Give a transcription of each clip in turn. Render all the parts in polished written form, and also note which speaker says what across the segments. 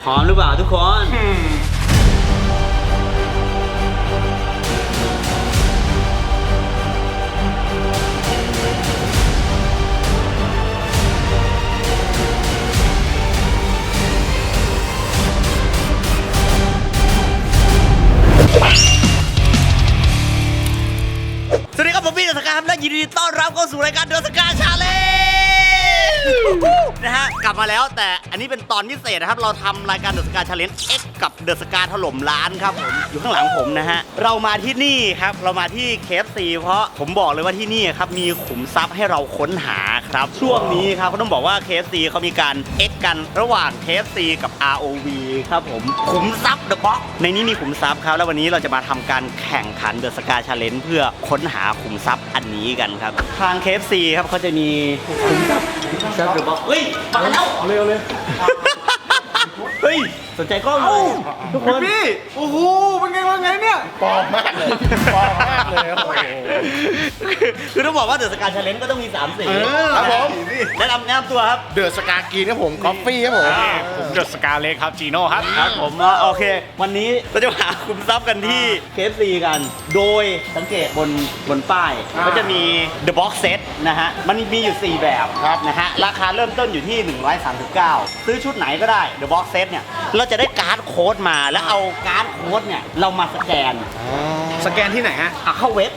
Speaker 1: พร้อมหรือเปล่าทุกคนสวัสดีครับผมพี่เดอะสกาและยินดีต้อนรับเข้าสู่รายการเดอะสกาชาเลนจ์นะฮะกลับมาแล้วแต่อันนี้เป็นตอนพิเศษนะครับเราทำรายการเดอะสกาชาเลนจ์ X กับเดอะสกาถล่มร้านครับผมอยู่ข้างหลังผมนะฮะเรามาที่นี่ครับเรามาที่ KFC เพราะผมบอกเลยว่าที่นี่ครับมีขุมทรัพย์ให้เราค้นหาครับช่วงนี้ครับก็ต้องบอกว่า KFC เขามีการ X กันระหว่าง KFC กับ ROV ครับผมขุมทรัพย์ The Box ในนี้มีขุมทรัพย์ครับแล้ววันนี้เราจะมาทำการแข่งขันเดอะสกาชาเลนจ์เพื่อค้นหาขุมทรัพย์อันนี้กันครับทาง KFC ครับเขาจะมีขุมทรัพย์ The Box เฮ้ยมาแล้วเร็วเลยเฮ้ยสนใจกล้องเลยทุกคน
Speaker 2: พี่โอ้โหเป็นไงว่าไงเนี่ยปลอมมากเลยปลอมมากเลยโอ้โห
Speaker 1: คือต้องบอกว่าเดอะสกาชาเลนจ์ก็ต้องมี3 สี
Speaker 2: ครับผม
Speaker 1: แนะนำตัวครับ
Speaker 2: เดอะสกากีนครับผมกาแฟครับผม
Speaker 3: เดอะสกาเล็กครับจีโน่ครับ
Speaker 1: ครับผมโอเควันนี้เราจะหาคุมทรัพย์กันที่ KFC กันโดยสังเกตบนป้ายก็จะมี The Box Set นะฮะมันมีอยู่4แบบนะฮะราคาเริ่มต้นอยู่ที่139ซื้อชุดไหนก็ได้ The Box Set เนี่ยเราจะได้การ์ดโค้ดมาแล้วเอาการ์ดโค้ดเนี่ยเรามาสแกน
Speaker 2: ที่ไหนฮะ
Speaker 1: เข้าเว็บ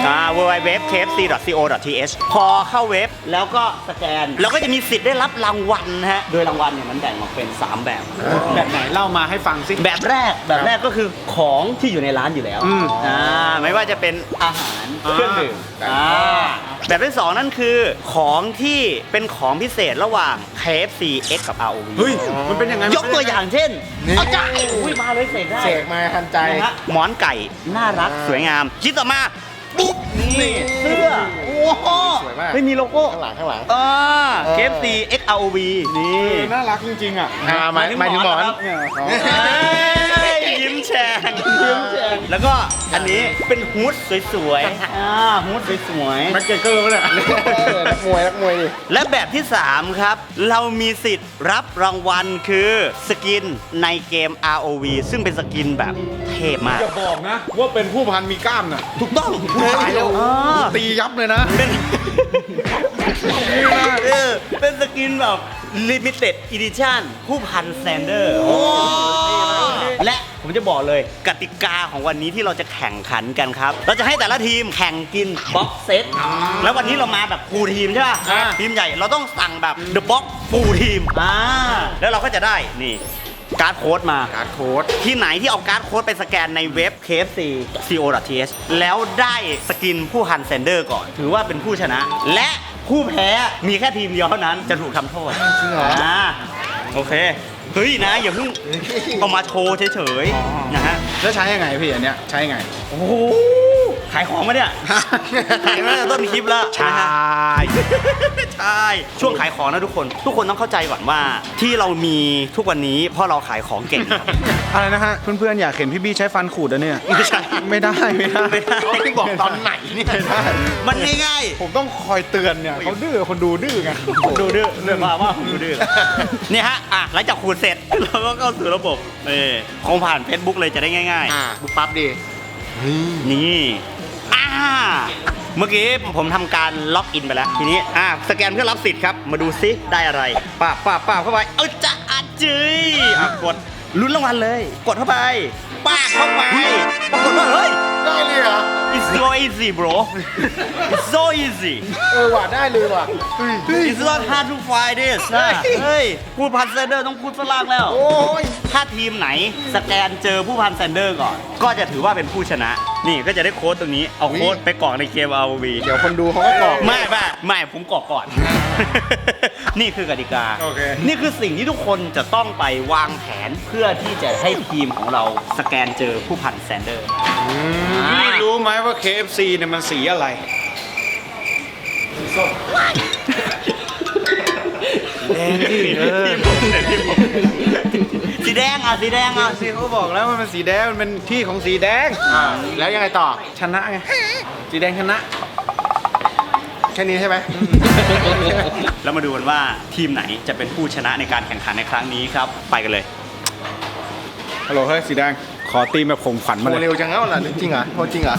Speaker 1: www.kfc.co.th พอเข้าเว็บแล้วก็สแกนแล้วก็จะมีสิทธิ์ได้รับรางวัลนะฮะโดยรางวัลเนี่ยมันแบ่งออกเป็น3แบบ
Speaker 2: แบบไหนเล่ามาให้ฟังสิ
Speaker 1: แบบแรกก็คือของที่อยู่ในร้านอยู่แล้วไม่ว่าจะเป็นอาหารเครื่องดื่มแบบที่2นั่นคือของที่เป็นของพิเศษระหว่าง KFC X กับ ROV
Speaker 2: เฮ้ยมันเป็นยังไง
Speaker 1: ยกตัวอย่างเช่นเอาใจมาเลยเสกได้
Speaker 2: เสกมาทันใจ
Speaker 1: หมอนไก่น่ารักสวยงามชิ้นต่อมาปุ๊บนี่เสื้อโอ้โห
Speaker 2: สวยมาก
Speaker 1: ไม่มีโลโก้
Speaker 2: ข้างหลัง
Speaker 1: KFC X ROV นี่
Speaker 2: น่ารักจริงๆอ่ะหมายถึงหมอน
Speaker 1: ยิ้มแฉ่งแล้วก็อันนี้เป็นฮูดสวยๆฮูดสวย
Speaker 2: ๆแม็กเกอร์เนี่ยนักมวยดิ
Speaker 1: และแบบที่3ครับเรามีสิทธิ์รับรางวัลคือสกินในเกม ROV ซึ่งเป็นสกินแบบเทพมาก
Speaker 2: อย่าบอกนะว่าเป็นผู้พันมีกล้ามน่ะ
Speaker 1: ถูกต้อง
Speaker 2: ตายแล้วตียับเลยนะ
Speaker 1: เป็นสกินแบบ Limited Edition ผู้พันแซนเดอร์และผมจะบอกเลยกติกาของวันนี้ที่เราจะแข่งขันกันครับเราจะให้แต่ละทีมแข่งกินบ็อกเซตแล้ววันนี้เรามาแบบฟูลทีมใช่ป่ะทีมใหญ่เราต้องสั่งแบบ The Box ฟูลทีมแล้วเราก็จะได้นี่การ์ดโค้ดมา
Speaker 2: การ์ดโค้ด
Speaker 1: ที่ไหนที่เอาการ์ดโค้ดไปสแกนในเว็บ kfc.co.th แล้วได้สกินผู้ฮันเซนเดอร์ก่อนถือว่าเป็นผู้ชนะและผู้แพ้มีแค่ทีมเดียวเท่านั้นจะถูกทำโทษโอเคเฮ้ยนะอย่าเพิ่งเอามาโชว์เฉยๆนะฮะ
Speaker 2: แล้วใช้ยังไงพี่อันเนี้ยใช้ยังไง
Speaker 1: โอ้โหขายของมาเนี่ยขายมาต้นคลิปแล้ว
Speaker 2: ใช่
Speaker 1: ช่วงขายของนะทุกคนต้องเข้าใจก่อนว่าที่เรามีทุกวันนี้เพราะเราขายของเก่ง
Speaker 2: อะไรนะฮะเพื่อนๆอยากเห็นพี่บี้ใช้ฟันขูดอะเนี่ยไม่ได้
Speaker 1: เขาที่บอกตอนไหนนี่มันง่าย
Speaker 2: ผมต้องคอยเตือนเนี่ยเขาดื้อคนดูดื้อไง
Speaker 1: คนดูดื้อเรื่องว่าคนดูดื้อเนี่ยฮะหลังจากขูดเสร็จเราก็เข้าสู่ระบบคงผ่าน Facebook เลยจะได้ง่าย
Speaker 2: ๆบุ๊กปั๊บดี
Speaker 1: นี่เมื่อกี้ผมทำการล็อกอินไปแล้วทีนี้สแกนเพื่อรับสิทธิ์ครับมาดูซิได้อะไรป้าเข้าไปจะจื้อกดลุ้นรางวัลเลยกดเข้าไปป้าเข้าไปปรากฏว่าเฮ้ย
Speaker 2: ได้เลยเหรอ
Speaker 1: It's so easy bro It's so easy
Speaker 2: ว่ะได้เลยว่ะ
Speaker 1: It's not hard to find this เฮ้ยผู้พันแซนเดอร์ต้องพูดฝรั่งแล้ว
Speaker 2: โอ้ย
Speaker 1: ถ้าทีมไหนสแกนเจอผู้พันแซนเดอร์ก่อนก็จะถือว่าเป็นผู้ชนะนี่ก็จะได้โค้ดตรงนี้เอาโค้ดไปกรอกในเกม ROV
Speaker 2: เดี๋ยวคนดูเขาก็กรอก
Speaker 1: ไม่ผมกรอกก่อนนี่คือกติกานี่คือสิ่งที่ทุกคนจะต้องไปวางแผนเพื่อที่จะให้ทีมของเราสแกนเจอผู้พันแซนเดอร์
Speaker 2: พี่รู้ไหมว่า KFC เนี่ยมันสีอะไรส้ม
Speaker 1: แดงดิสีแดง
Speaker 2: สีเขาบอกแล้วมันเป็นสีแดงมันเป็นที่ของสีแดงแล้วยังไงต่อชนะไงสีแดงชนะแค่นี้ใช่ไหม
Speaker 1: แล้วมาดูกันว่าทีมไหนจะเป็นผู้ชนะในการแข่งขันในครั้งนี้ครับไปกันเลย
Speaker 2: ฮัลโหลเฮ้ยสีแดงขอตีมแบบข่มขวัญมา
Speaker 4: โม
Speaker 2: เลย
Speaker 4: เร็วจังแล้วล่ะจริงเหรอโทษจริงเหรอ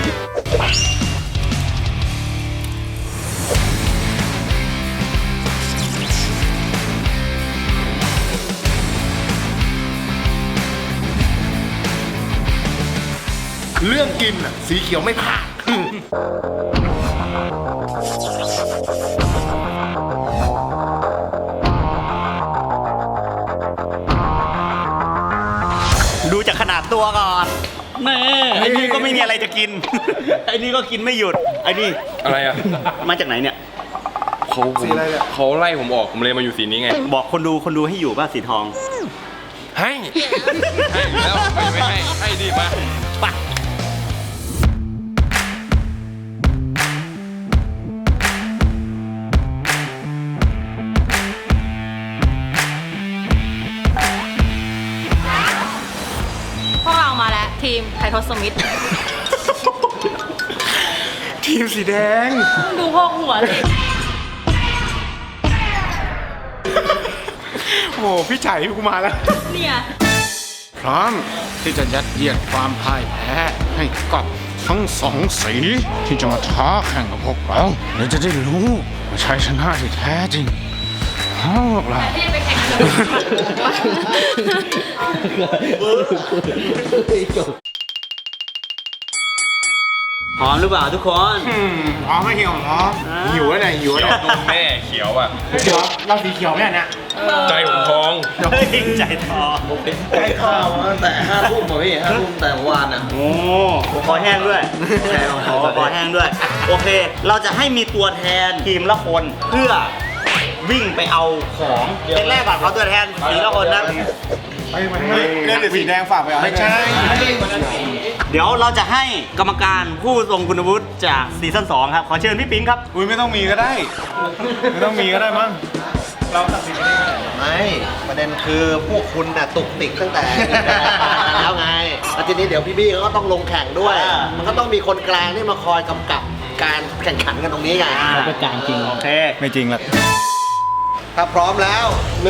Speaker 4: เรื่องกินอ่ะสีเขียวไม่ผ่าน
Speaker 1: ดูจากขนาดตัวก่อนแม่ไอ้นี่ก็ไม่มีอะไรจะกิน ไอ้นี่ก็กินไม่หยุด ไอ้นี่
Speaker 5: อะไรอ่ะ
Speaker 1: มาจากไหนเนี่ย
Speaker 4: สีอะไรเนี่ย
Speaker 5: เขาไล่ผมออก ผมเลยมาอยู่สีนี้ไง
Speaker 1: บอกคนดูให้อยู่ป่ะสีทอง
Speaker 5: ให้ ให้อยู่แล้วไม่ให้ ให้ดีมา
Speaker 1: ไป
Speaker 6: พวกเรามาแล้วทีมไททอสมิธ
Speaker 2: ทีมสีแดง
Speaker 6: ดูพวกหัวเลย
Speaker 2: โอ้พี่ชัยกูมาแล้ว
Speaker 6: เนี่ย
Speaker 2: พร้อมที่จะยัดเยียดความพ่ายแพ้ให้กับทั้งสองสีที่จะมาท้าแข่งกับพวกเราเดี๋ยวจะได้รู้ว่าชัยชนะที่แท้จริงของพวกเรา
Speaker 6: ที่ไปแข่งเกิด
Speaker 1: พร้อมหรือเปล่าทุกคน
Speaker 2: พร้อมไม่หิวพร้อมหิวแล้วไหนหิว
Speaker 5: เขี
Speaker 2: แล้
Speaker 5: ยว วนมแม่เขียวอ่ะ
Speaker 2: เดี๋ยวเราสีเขียวเนี่ยนะ
Speaker 5: ใจผมพอง
Speaker 1: เฮ้ยใจทอ
Speaker 4: ใกล้ข้าวตั้งแต่5 ทุ่มป่ะพี่5 ทุ่มแต่เมื่อวานอ่ะ
Speaker 1: โอ้คอแห้งด้วยคอแห้งด้วย โอเค เราจะให้มีตัวแทนทีมละคนเพื่อวิ่งไปเอาของแรกๆก่อนเขาตัวแทนสีละคนนะ
Speaker 2: เล่นสีแดงฝากไปเอาไม่ใช่
Speaker 1: เดี๋ยวเราจะให้กรรมการผู้ทรงคุณวุฒิจากซีซั่น2ครับ ขอเชิญพี่ปิ๊งครับ
Speaker 2: อุ้ยไม่ต้องมีก็ได้ ไม่ต้องมีก็ได้มั้ง
Speaker 4: ไม่ประเด็นคือพวกคุณน่ะตุกติกตั้งแต่ แล้วไงแล้วทีนี้เดี๋ยวพี่บี้เขาก็ต้องลงแข่งด้วย มันก็ต้องมีคนกลางที่มาคอยกำกับการแข่งขันกันตรงนี้ไง
Speaker 1: เขาเป็นกลางจริง โอเค
Speaker 2: ไม่จริงหรอก
Speaker 4: ถ้าพร้อมแล้ว1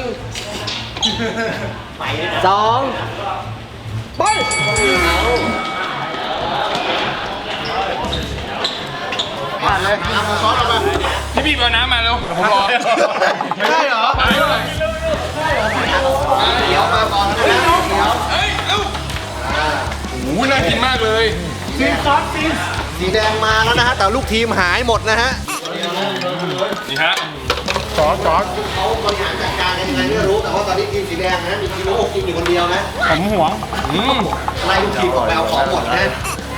Speaker 4: 2 ไปผ่านเลยเอามาซ้อนออกมา
Speaker 5: พี่บีบเอาน้ำมาเร็วเดี๋ยวผมรอ
Speaker 4: ใช่เหรอเดี๋ยวมาก่อนนะเดี๋ยว
Speaker 5: เฮ้ยเร็วโอ้โหน่ากินมากเลย
Speaker 4: สีแดงมาแล้วนะฮะ แต่ลูกทีมหายหมดนะฮะ
Speaker 5: นี่ฮะ
Speaker 4: เขาบริหารจัดการกันยังไงไม่รู้ แต่ว่าตอนนี้ทีมสีแดงนะมีทีมโลกกินอยู่คนเดียวนะ
Speaker 2: ผมห่วง
Speaker 4: ไล่ลูกทีมออกไปเอาของหมดนะ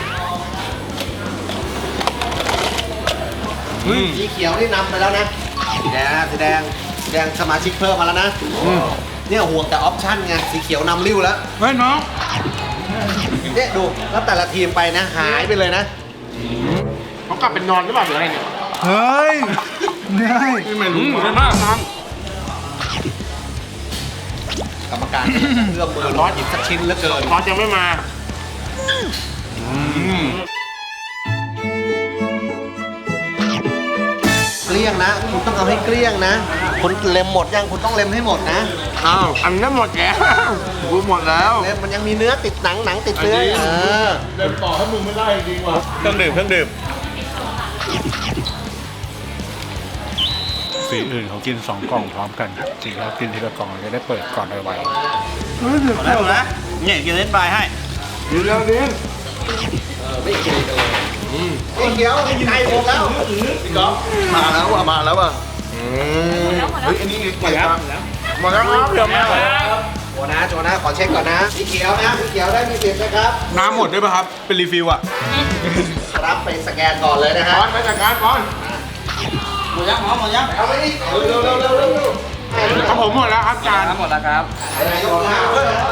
Speaker 4: สีเขียวนี่นำไปแล้วนะสีแดงสมาชิกเพิ่มมาแล้วนะเนี่ยห่วงแต่ออปชั่นไงสีเขียวนำริ้วแล้ว
Speaker 2: เฮ้ยน้อง
Speaker 4: เนี่ยดูแล้วแต่ละทีมไปนะหายไปเลยนะ
Speaker 2: เขากลับเป็นนอนหรือเปล่าหรืออะไรเนี่ย เฮ้ยไม่รู้
Speaker 5: ดีมาก
Speaker 4: กรรมการเลือกมือร้อนหยิบสักชิ้นแล้วเกิน
Speaker 2: พอจะไม่มา
Speaker 4: เกลี้ยงนะคุณต้องทำให้เกลี้ยงนะคุณเล็มหมดยังคุณต้องเล็มให้หมดนะ
Speaker 2: อ้าว อันนั้นหมดแล้วกูหมดแล้ว
Speaker 4: เล็มมันยังมีเนื้อติดหนังติดเนื้อ
Speaker 2: เครื่องดื่ม สีอื่นเขากิน2 กล่องพร้อมกันครับจริงแล้วกินทีละกล่องเราจะได้เปิดก่อนไว
Speaker 1: ได้หมดนะเนี่ยกินเล่นปลายให้
Speaker 2: ๆดีแล้วดิ
Speaker 4: ไม่เกรงกันเลยไอ้เขียวไก่หมดแล้วมาแล้วว่ะเฮ้ยอันนี้หมดแล้ว
Speaker 2: หมดแล้วครับเดี๋ยวแม่
Speaker 4: โจนะขอเช็คก่อนนะสีเขียวนะสีเขียวได้มีสิทธิ์นะครับ
Speaker 2: น้ำหมดด้วยป่ะครับ เป็นรีฟิลอ่ะ
Speaker 4: รับไปสแกนก่อนเลยนะฮะ
Speaker 2: ก่อนไปจัดการก่อน
Speaker 1: หมดยังหมดยัง
Speaker 4: เอาไปดิเร็ว
Speaker 2: ครับผมหมดแล้วครับจาน
Speaker 5: หมดแล้วครับ
Speaker 4: ไหนยกหน้า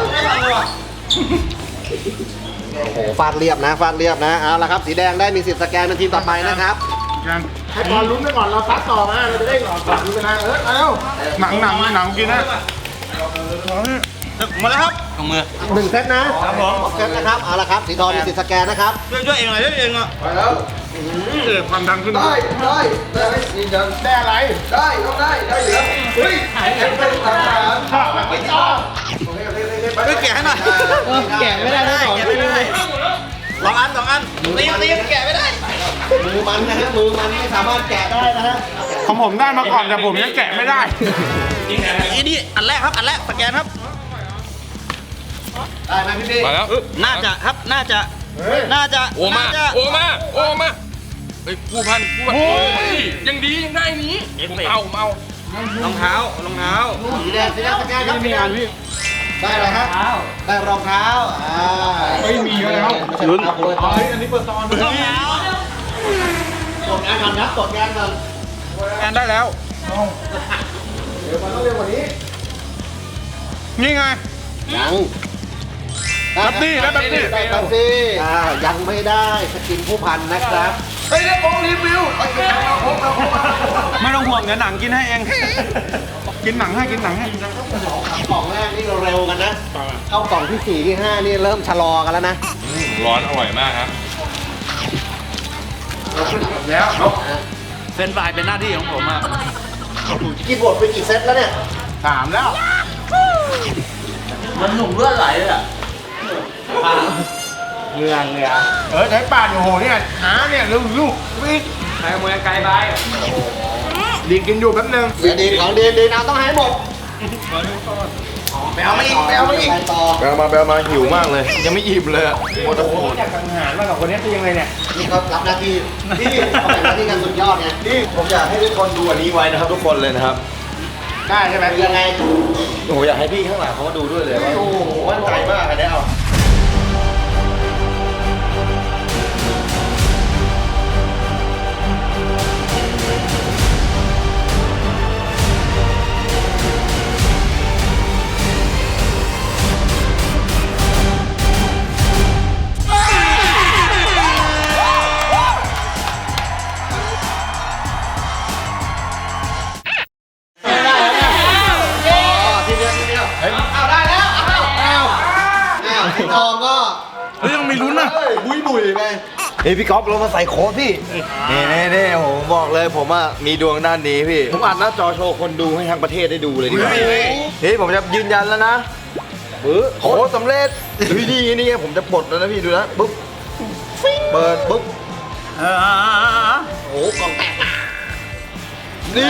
Speaker 4: โอ้โหฟาดเรียบนะเอาละครับสีแดงได้มีสิทธิ์สแกนเป็นทีมต่อไปนะครับ
Speaker 2: ให้บอลลุ้นไปก่อนเราซัดต่อมาเราจะได้หลอดก่อนลุ้นไปนะเร็วหนังกินนะ
Speaker 1: หมดแล้วครับลงมือ
Speaker 4: 1 เซตนะครับ
Speaker 1: ผม
Speaker 4: เซตนะครับเอาละครับสีทองมีสิทธิ์สแกนนะครับ
Speaker 1: ช่วยเองหน่อยช่วยเองหน่อย
Speaker 4: ไปแล้ว
Speaker 2: ความดังขึ้น
Speaker 4: ได้ยืนยัน
Speaker 2: ได้อะไร
Speaker 4: ได้ต้องได้เหลือเฮ้ยเป็นทหารข้าวไม่ชอบ
Speaker 1: ช่วยแกะให้หน่อย
Speaker 4: แกะไม่ได้นะสอง
Speaker 1: แกะไม่ได้สองอันตีแกะไม่ได้
Speaker 4: มือมันนะฮะมือมันไม่สามารถแกะได้นะฮะ
Speaker 2: ของผมได้มาก่อนแต่ผมยังแกะไม่ได้
Speaker 1: นี่อันแรกครับอันแรกสแกนครับ
Speaker 4: ได้ไหมพี่
Speaker 5: มาแล้ว
Speaker 1: น่าจะครับน่าจะ
Speaker 5: โอมา
Speaker 1: น่าจะ
Speaker 5: โอมาเฮ้ยผู้พันโอ้ยยังดียังได้นี้ผมเอา
Speaker 1: รองเท้า
Speaker 4: สีแดงสแกนครับได้อะไรฮะได้รองเท้าไม่มีแล้วลุ้นอันนี้เปิดตอน
Speaker 1: รองเท้า
Speaker 4: ตรวจงานก่อนครับตรวจงานก่อน
Speaker 2: งานได้แล้ว
Speaker 4: เดี๋ยวมันต้องเร็วกว่านี้
Speaker 2: นี่ไง
Speaker 4: ยัง
Speaker 2: แป๊บซี่ได้แป๊บซี่
Speaker 4: ได้แป๊บซี่ยังไม่ได้สกินผู้พันนะครับเฮ้ยได้ของรีวิว
Speaker 2: ไม่ต้องห่วงเดี๋ยวหนังกินให้เอง กินหนังให้
Speaker 4: กล่องแรกนี่เราเร็วกันนะเข้ากล่องที่ 4 ที่ 5 นี่เริ่มชะลอกันแล้วนะ
Speaker 5: ร้อนอร่อยมากครับ
Speaker 1: เฟรนช์ฟรายเป็นหน้าที่ของผมครับ
Speaker 4: กินบทไปกี่เซตแล้วเนี่ย
Speaker 2: 3 แล้ว
Speaker 1: มันหนุ่มเลือดไหลเลยอ่ะ
Speaker 2: เรือใช้ป่านโอ้โหเนี่ยหาเนี่ยลูกวิ่งใช้มือไกลไปดีกินอยู่แป๊บนึง
Speaker 4: เดี๋ยวดีของดีนะต้องให้หมด
Speaker 2: ไปเอามาอีก
Speaker 4: ไปต่อ
Speaker 5: แปลมาหิวมากเลย ยังไม่อิ่มเลยอะโมตะโขน
Speaker 2: อยากสังหารมากกับคนนี้คือยังไงเนี่ย
Speaker 4: นี่เขารับหน้าที่นี่เขาเป็นหน้าที่กันสุดยอดไง
Speaker 5: นี่ผมอยากให้ทุกคนดูอันนี้ไว้นะครับทุกคนเลยนะครับ
Speaker 2: ได้ใช่ไหม
Speaker 4: ยังไง
Speaker 5: โอ้โหอยากให้พี่ข้างหลังเขามาดูด้วยเลยว่าโอ้โหมั่นใจมากอันนี้เอา
Speaker 4: พี่ทองก็
Speaker 2: ยังมีลุ้นอ่ะ
Speaker 4: บุยไป
Speaker 5: เฮ้ยพี่ก๊อฟเรามาใส่โค้ดพี่นี่ผมบอกเลยผมอะมีดวงด้านนี้พี่ผมอัดหน้าจอโชว์คนดูให้ทั้งประเทศได้ดูเลยดีกว่าเฮ้ยผมจะยืนยันแล้วนะโค้ดสำเร็จนี่ผมจะปลดแล้วนะพี่ดูนะปุ๊บเปิดปุ๊บ
Speaker 4: โอ้กล่องแตก
Speaker 5: นี่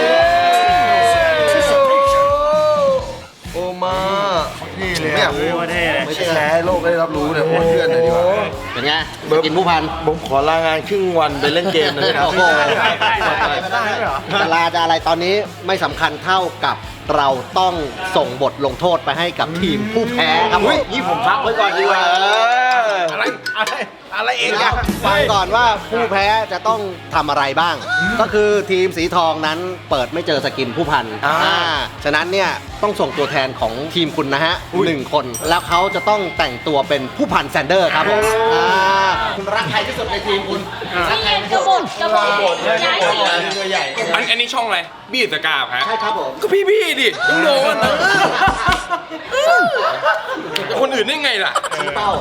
Speaker 5: โอมานี่เลยเนี่ยไม่ใช่แชร์ให้โลกได้รับรู้เลยโอ้เพื่อนเลยดีกว่า
Speaker 4: เป็นไงกินผู้พัน
Speaker 5: ผมขอลางานครึ่งวันไปเล่นเกมเลยครับ
Speaker 4: โอ้โหจะลาจะอะไรตอนนี้ไม่สำคัญเท่ากับเราต้องส่งบทลงโทษไปให้กับทีมผู้แพ้ครับผม
Speaker 5: นี่ผมพักไว้ก่อนดีกว่า
Speaker 2: อะไรเอง
Speaker 4: เดี๋ยวฟังก่อนว่าผู้แพ้จะต้องทำอะไรบ้าง ก็คือทีมสีทองนั้นเปิดไม่เจอสกินผู้พันฉะนั้นเนี่ยต้องส่งตัวแทนของทีมคุณนะฮะ1 คน แล้วเขาจะต้องแต่งตัวเป็นผู้พันแซนเดอร์ครับผมคุณรักใครที่สุดในทีมคุณรักใครที่สุด
Speaker 6: กระบอกย้ายสี
Speaker 5: อันนี้ช่องอะไรบี้ตะกาบฮะ
Speaker 4: ใช่ครับผม
Speaker 5: ก็พี่ดิต้องโดนนะคนอื่นได้ไงล่ะ
Speaker 4: เป้า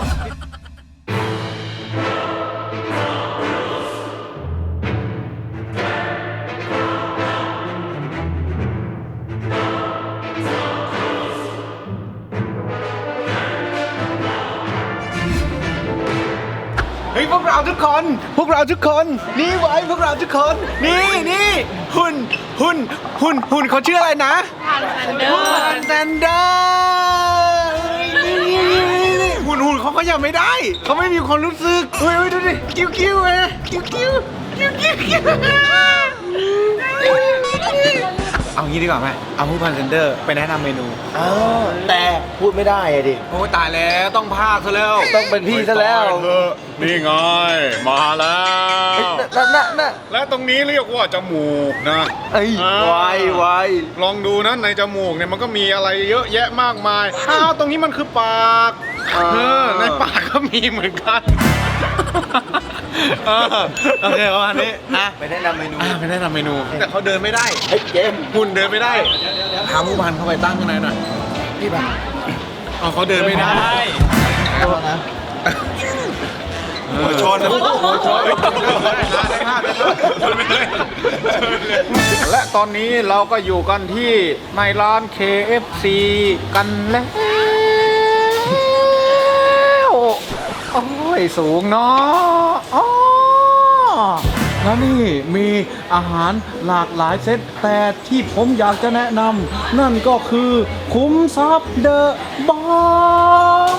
Speaker 2: เฮ้ยพวกเราทุกคน นี่ไว้พวกเราทุกคน นี่หุ่นเขาชื่ออะไรนะ
Speaker 6: พันแซนเดอร์
Speaker 2: นี่หุ่นเขาขยับไม่ได้ เขาไม่มีความรู้สึกเฮ้ยดูดิกิ้วไงกิ้วเอางี้ดีกว่าไหมเอาผู้พันเซนเดอร์ไปแนะนำเมนู
Speaker 5: แต่พูดไม่ได้อะดิ
Speaker 2: โอ้ตายแล้วต้องพากซะแล้ว
Speaker 5: ต้องเป็นพี่ซะแล้ว
Speaker 3: นี่ไง มาแล้ว
Speaker 5: น่ะ
Speaker 3: และตรงนี้เรียกว่าจมูกนะ
Speaker 5: ไอ้ไว
Speaker 3: ลองดูนะในจมูกเนี่ยมันก็มีอะไรเยอะแยะมากมายอ้าวตรงนี้มันคือปากในปากก็มีเหมือนกัน
Speaker 2: โอเคประมาณนี้อ่ะ
Speaker 5: ไปแนะนำเมนู
Speaker 2: ไปแนะนำเมนู แต่เขาเดินไม่ได้
Speaker 5: เฮ้ยเกม
Speaker 2: หุ่นเดินไม่ได้พาผู้พันเข้าไปตั้งข้างในหน่อยพี่ปะเอาเขาเดินไม่ได้หัวชนและตอนนี้เราก็อยู่กันที่ในร้าน KFC กันแล้ว
Speaker 3: โอ้ยสูงเนาะอ๋อแล้วนี่มีอาหารหลากหลายเซตแต่ที่ผมอยากจะแนะนำนั่นก็คือคุ้มทรัพย์เดอะบอล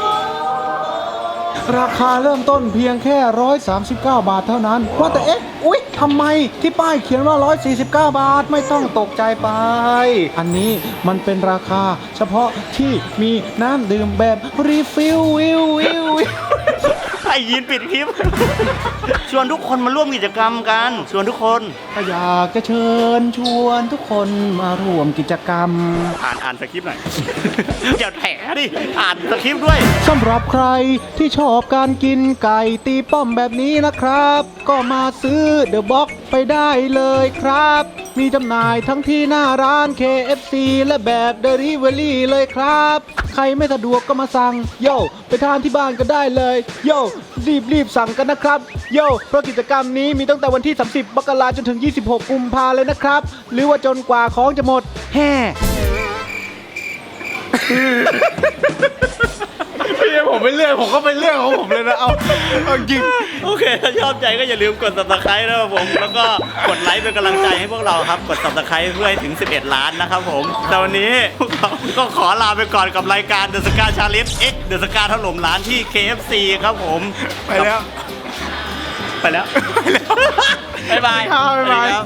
Speaker 3: ราคาเริ่มต้นเพียงแค่ 139 บาทเท่านั้น ว่าแต่อุ๊ยทำไมที่ป้ายเขียนว่า 149 บาทไม่ต้องตกใจไป อันนี้มันเป็นราคาเฉพาะที่มีน้ำดื่มแบบรีฟิลวิว
Speaker 1: ไอ้ยีนปิดคลิป ชวนทุกคนมาร่วมกิจกรรมกัน ชวนทุกคน
Speaker 3: ก็อยากจะเชิญชวนทุกคนมาร่วมกิจกรรม
Speaker 1: อ่านสคริปต์หน่อย อย่าแถดิ อ่านสคริปต์ด้วย
Speaker 3: สำหรับใครที่ชอบการกินไก่ตีป้อมแบบนี้นะครับ ก็มาซื้อเดอะบ็อกไปได้เลยครับ มีจำหน่ายทั้งที่หน้าร้าน KFC และแบบ Delivery เลยครับ ใครไม่สะดวกก็มาสั่งโย่ไปทานที่บ้านก็ได้เลยโย่รีบสั่งกันนะครับโย่เพราะกิจกรรมนี้มีตั้งแต่วันที่ 30 มกราคมจนถึง 26 กุมภาเลยนะครับ หรือว่าจนกว่าของจะหมดแฮ่ พี่ผมไม่เลือกผมก็เป็นเรื่องของผมเลยนะเอาจริง
Speaker 1: โอเค ถ้าชอบใจก็อย่าลืมกด subscribe นะครับผม แล้วก็กดไลค์เป็นกำลังใจให้พวกเราครับ กด subscribe เพื่อให้ถึง 11 ล้านนะครับผม แต่วันนี้พวกเราก็ขอลาไปก่อนกับรายการ The Scar Challenge X The Scar ถล่มร้านที่ KFC ครับผม
Speaker 3: ไปแล้ว
Speaker 1: ไปแล้ว บ๊ายบาย
Speaker 3: บ๊ายบาย
Speaker 1: สวัสดีครับ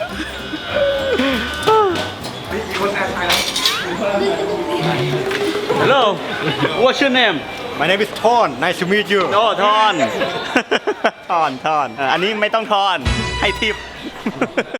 Speaker 1: Hello What's your name
Speaker 3: My name is Ton Nice to meet you
Speaker 1: โอ้ทอน ทอน อันนี้ไม่ต้องทอน ให้ทิป